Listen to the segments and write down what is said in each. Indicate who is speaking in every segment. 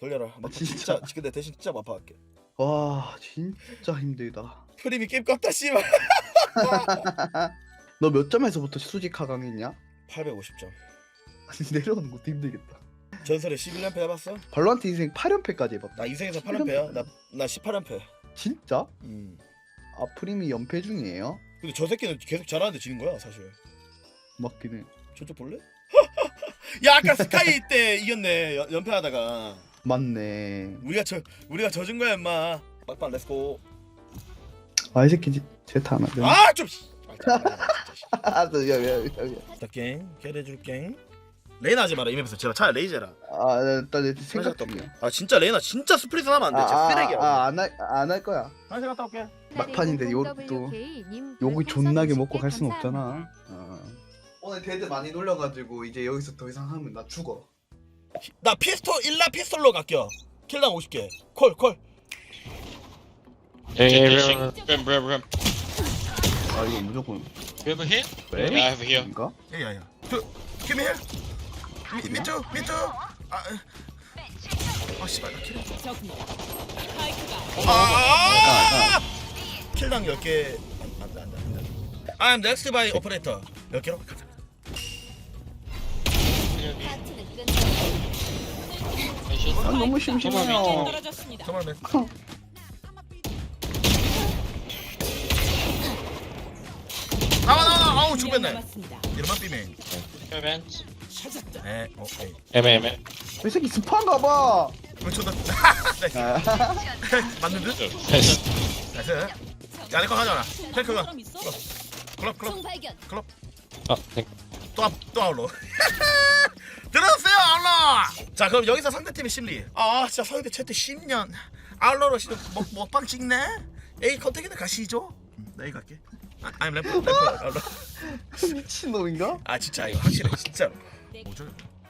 Speaker 1: 돌려라. 막 진짜 근데 대신 진짜 마파할게.
Speaker 2: 와 진짜 힘들다.
Speaker 1: 프림이 게임 껐다 씨발.
Speaker 2: 너 몇 점에서부터 수직 하강했냐?
Speaker 1: 850점.
Speaker 2: 내려오는 것도 힘들겠다.
Speaker 1: 전설의 11연패 해봤어?
Speaker 2: 발로란트 인생 8연패까지 해봤다.
Speaker 1: 나 인생에서 8연패야. 나 18연패.
Speaker 2: 진짜?
Speaker 1: 음.
Speaker 2: 아 프림이 연패 중이에요?
Speaker 1: 근데 저 새끼는 계속 잘하는데 지는 거야 사실.
Speaker 2: 맞긴 해.
Speaker 1: 저쪽 볼래? 야 아까 스카이 때 이겼네 연패하다가.
Speaker 2: 맞네.
Speaker 1: 우리가 져준 거야 임마. 막판 렛츠고.
Speaker 2: 아 이 새끼 제타 하나.
Speaker 1: 아 좀.
Speaker 2: 야야야야.
Speaker 1: 땡 캐리해줄게. 레이나 하지 마라 이 맵에서 제발 차라리 레이제라.
Speaker 2: 아 일단 생각 중이야.
Speaker 1: 아 진짜 레이나 진짜 스프리트 하면 안돼. 진짜 쓰레기야.
Speaker 2: 안할 거야.
Speaker 1: 화장실 갔다 올게.
Speaker 2: 막판인데 또 욕을 존나게 먹고 갈 순 없잖아. 오늘 데드 많이 놀려가지고 이제 여기서 더 이상 하면 나 죽어.
Speaker 1: 나 일라 피스톨로 갈게요. 킬당 50개. 콜.
Speaker 3: Ram.
Speaker 2: 아 이거 무조건.
Speaker 3: You have a hit?
Speaker 2: 왜?
Speaker 3: Yeah, I have a here.
Speaker 2: 인가?
Speaker 1: 야야야. Give me here. Me too. 아 씨발 나 킬. 킬당 10개. 안돼. I'm next by operator. 10개로 가자.
Speaker 2: 아 너무 심심해요.
Speaker 1: 정말 매. 나와. 아우 죽겠네. 이러면 삐맨.
Speaker 3: Event.
Speaker 1: 네. 오케이.
Speaker 3: M.
Speaker 2: 이 새끼 스파인가 봐.
Speaker 1: 그렇죠. 나이스.
Speaker 2: 아,
Speaker 1: 맞는 듯?
Speaker 3: Nice.
Speaker 1: 나이스. 야, 내거 가져와라. 탱크가. 클럽. 클럽.
Speaker 3: Oh, thank.
Speaker 1: 또 아울러. 들었어요, 아울러. 자, 그럼 여기서 상대팀의 심리. 아, 진짜 상대 채트 10년. 아울러로 시도 먹방 찍네. A 컨택이나 가시죠. 나 A 갈게. I'm 램프 아울러.
Speaker 2: 미친놈인가?
Speaker 1: 아, 진짜 이거 확실해, 진짜로. 뭐죠?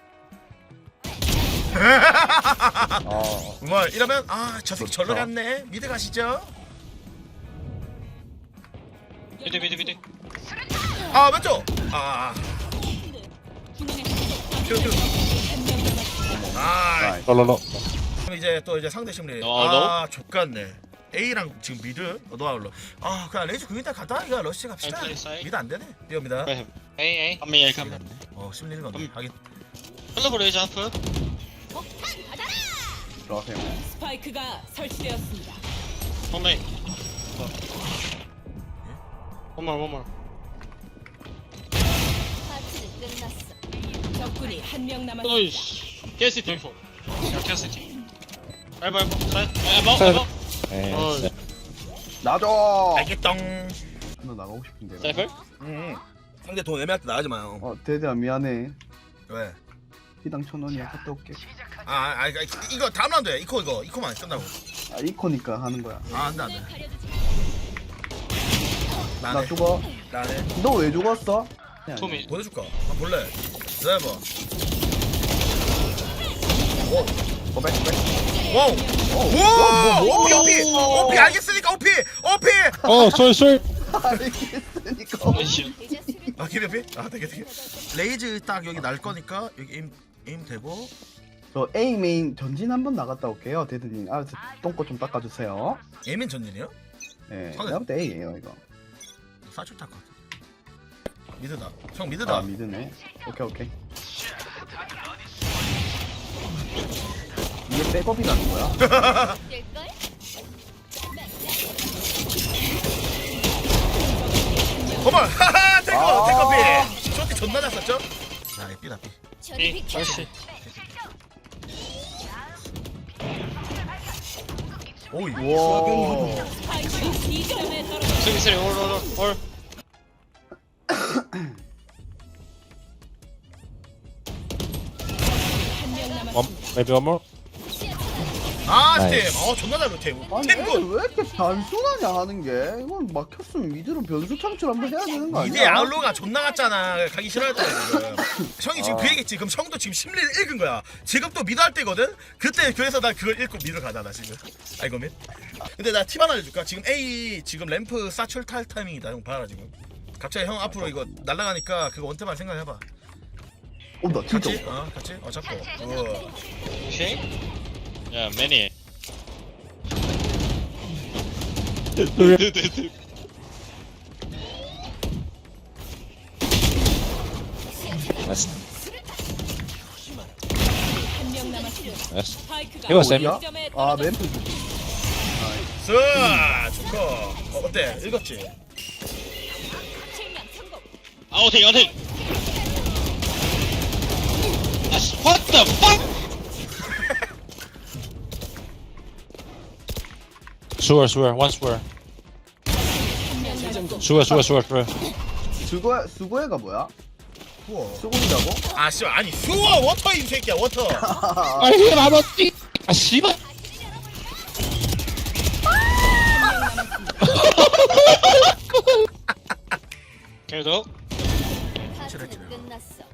Speaker 1: 정말 이러면 저 새끼 절로 갔네. 미드 가시죠.
Speaker 3: Mid.
Speaker 1: 왼쪽. 큐.
Speaker 3: No.
Speaker 1: 그럼 이제 상대 심리.
Speaker 3: 너?
Speaker 1: 족같네. A랑 지금 미드 노아울러. 그냥 레이즈 그윈다 가다 이거 러시 갑시다.
Speaker 3: 사이드.
Speaker 1: 미드 안 되네. 뛰어옵니다.
Speaker 3: Hey. Come.
Speaker 1: 심리는 건데. 하긴.
Speaker 3: Hello, raise up.
Speaker 2: 들어가세요.
Speaker 4: 스파이크가 설치되었습니다.
Speaker 3: One main. One more.
Speaker 4: 적군이 한 명 남았습니다.
Speaker 3: Nice. City. Yeah, City. Elbow. Side. Elbow.
Speaker 2: 나줘.
Speaker 1: 알겠덩.
Speaker 2: 너 나가고 싶은데.
Speaker 3: Cypher.
Speaker 1: 상대 돈 애매할 때 나가지 마요.
Speaker 2: 데드야 미안해.
Speaker 1: 왜?
Speaker 2: 피당 1,000원이야. 갔다 올게.
Speaker 1: 이거 다음 라운드야. 이코만 끝나고.
Speaker 2: 이코니까 하는 거야.
Speaker 1: 안돼.
Speaker 2: 나 죽어.
Speaker 1: 나네.
Speaker 2: 너 왜 죽었어?
Speaker 3: Tommy.
Speaker 1: 보내줄까? 볼래? 드라이버.
Speaker 2: 고백.
Speaker 1: 오! 오피 알겠으니까 오피.
Speaker 3: Oh, sorry.
Speaker 2: 알겠으니까.
Speaker 1: 기회피? 되게. 레이즈 딱 여기 날 거니까 여기 에임 되고.
Speaker 2: 저 A 메인 전진 한번 나갔다 올게요. 데드님. 똥꼬 좀 닦아주세요.
Speaker 1: 에이맨 전진이요?
Speaker 2: 네.
Speaker 1: 상대-
Speaker 2: 내가 볼때 A예요 이거.
Speaker 1: 사출 탈 것 같아. 미드다. 형 미드다.
Speaker 2: 미드네. 오케이. 이게 백업이라는 거야?
Speaker 1: 고마. 탱커피. 쇼티 존나 잘 썼죠? 자, B다 B.
Speaker 3: B. Mercy.
Speaker 1: 오이.
Speaker 2: 와.
Speaker 4: 스파이크가 B점에 떨어졌습니다.
Speaker 3: City. All.
Speaker 4: 한 명 남았습니다.
Speaker 3: Maybe one more.
Speaker 1: 팀. 존나 잘 팀.
Speaker 2: 아니
Speaker 1: 팀군.
Speaker 2: 왜 이렇게 단순하냐 하는 게. 이건 막혔으면 미드로 변수 창출 한번 해야 되는 거
Speaker 1: 이제
Speaker 2: 아니야?
Speaker 1: 아울로가 존나 갔잖아. 가기 싫어했잖아 지금. 형이 지금 그 얘기했지. 그럼 형도 지금 심리를 읽은 거야. 지금 또 미드 할 때거든. 그때 그래서 나 그걸 읽고 미드 가잖아 지금. 알고 민? 근데 나 팁 하나 알려줄까? 지금 A 지금 램프 사출 탈 타이밍이다. 형 봐라 지금. 갑자기 형 앞으로 이거 날아가니까 그거 원탭만 생각해봐.
Speaker 2: 나 진짜.
Speaker 1: 같이? 같이? 잡고.
Speaker 3: Okay. Yeah, many. Dude.
Speaker 5: Nice.
Speaker 4: 한 명 남았습니다.
Speaker 5: Nice.
Speaker 4: 스파이크가
Speaker 5: He was aiming.
Speaker 2: 어디야?
Speaker 4: B점에
Speaker 2: 아
Speaker 4: 떨어졌습니다.
Speaker 2: 램프
Speaker 1: 쓱 좋고 어때 읽었지?
Speaker 4: 측량 성공.
Speaker 3: Outing. What the fuck? Sewer. One sewer.
Speaker 4: 한명 남았습니다.
Speaker 3: Sewer.
Speaker 2: 수고해가 뭐야?
Speaker 1: 우와
Speaker 2: 수고이라고?
Speaker 1: 아 씨발 아니 수어 워터 이 새끼야 워터
Speaker 3: 아 이게 맞았지? 아 씨발. 계속.
Speaker 4: 끝났어.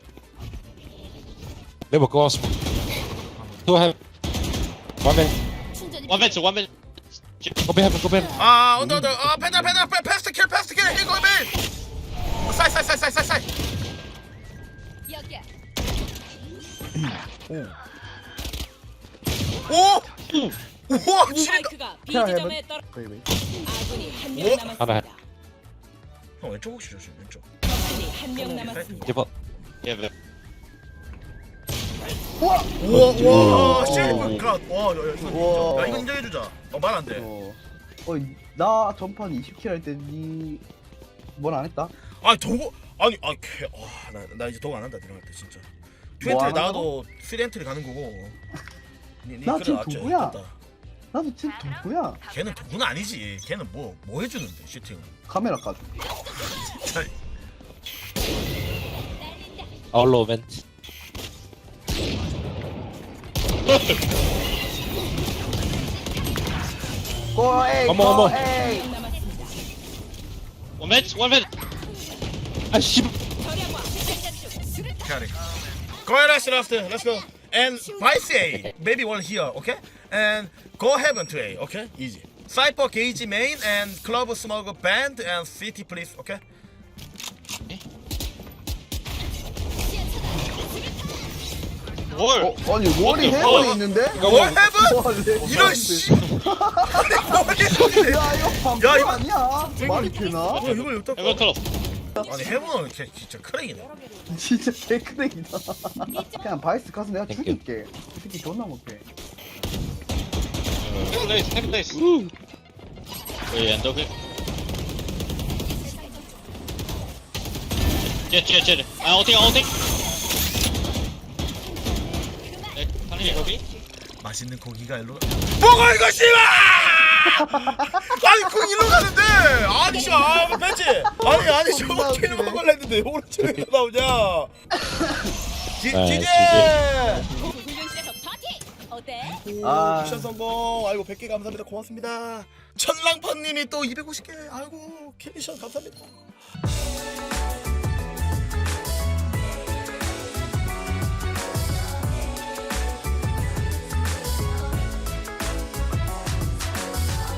Speaker 5: Never go on smoke. Two have. One man.
Speaker 3: One man.
Speaker 5: Go be heaven. Go be heaven.
Speaker 1: 아 언더 아 펜다 패스트 킬 이거 밀 사이
Speaker 4: 여기야.
Speaker 1: 오! 우와 지린다
Speaker 4: 스파이크가 B 지점에 떨어.
Speaker 2: 베이베이.
Speaker 4: 아군이 한 명
Speaker 1: 오?
Speaker 4: 남았습니다.
Speaker 1: 형 왼쪽 혹시 조심 왼쪽
Speaker 4: 적군이 한 명 남았습니다.
Speaker 5: Give up.
Speaker 3: Yeah,
Speaker 1: 우와 실버 갓와
Speaker 2: 우와.
Speaker 1: 야 이거 인정해주자 말 안돼
Speaker 2: 나 전판 20킬 할 때 니 뭘 안 했다?
Speaker 1: 아니 도구 아니 나 이제 도구 안 한다 들어갈 때 진짜
Speaker 2: 뭐
Speaker 1: 2엔트리
Speaker 2: 안
Speaker 1: 나도 3엔트리 가는 거고
Speaker 2: 나 지금
Speaker 1: 그래,
Speaker 2: 도구야.
Speaker 1: 맞지?
Speaker 2: 나도 지금 도구야.
Speaker 1: 걔는 도구는 아니지 걔는 뭐 해주는데 슈팅
Speaker 2: 카메라 까줘.
Speaker 5: All low vent.
Speaker 2: 고에이
Speaker 5: 어머.
Speaker 2: 고에이.
Speaker 4: 한 명 남았습니다.
Speaker 3: one man.
Speaker 5: 아 씨발.
Speaker 4: 절약과 생산 중. 수류탄.
Speaker 1: Carry. Go ahead, let's go. And Vice A, maybe one here, okay? And go heaven to A, okay? Easy. Cypher, Gage main, and Club Smoke band, and City please, okay?
Speaker 3: 뭘?
Speaker 2: 아니 월이
Speaker 3: the
Speaker 2: 해븐
Speaker 3: fuck?
Speaker 2: 있는데?
Speaker 1: 월 heaven?
Speaker 2: 월
Speaker 1: 이런 씨. 아니 머리
Speaker 2: 야 이거 방금
Speaker 1: 야, 이거-
Speaker 2: 아니야? 말이 되나?
Speaker 1: 이걸 어떡해?
Speaker 3: Heaven close.
Speaker 1: 아니 heaven은 진짜 크랙이네.
Speaker 2: 진짜 개크댕이다. 그냥 바이스 가서 내가
Speaker 5: 땡큐.
Speaker 2: 죽일게. 이 새끼 존나 못해.
Speaker 3: Second place. Wait, and okay. jet. outing. 네, 당연히 거기.
Speaker 1: 맛있는 고기가 일로 먹어 이거 씨발! 아니 그 일로 가는데 아니 씨발 벤치 아니 저거
Speaker 2: 겁나
Speaker 1: 킬
Speaker 2: 웃기네.
Speaker 1: 먹으려 했는데 오른쪽에 왜 나오냐 지제
Speaker 4: 훈련실에서 파티. 어때?
Speaker 2: 아.
Speaker 1: 미션 성공 아이고 100개 감사합니다 고맙습니다 천랑파님이 또 250개 아이고 캐미션 감사합니다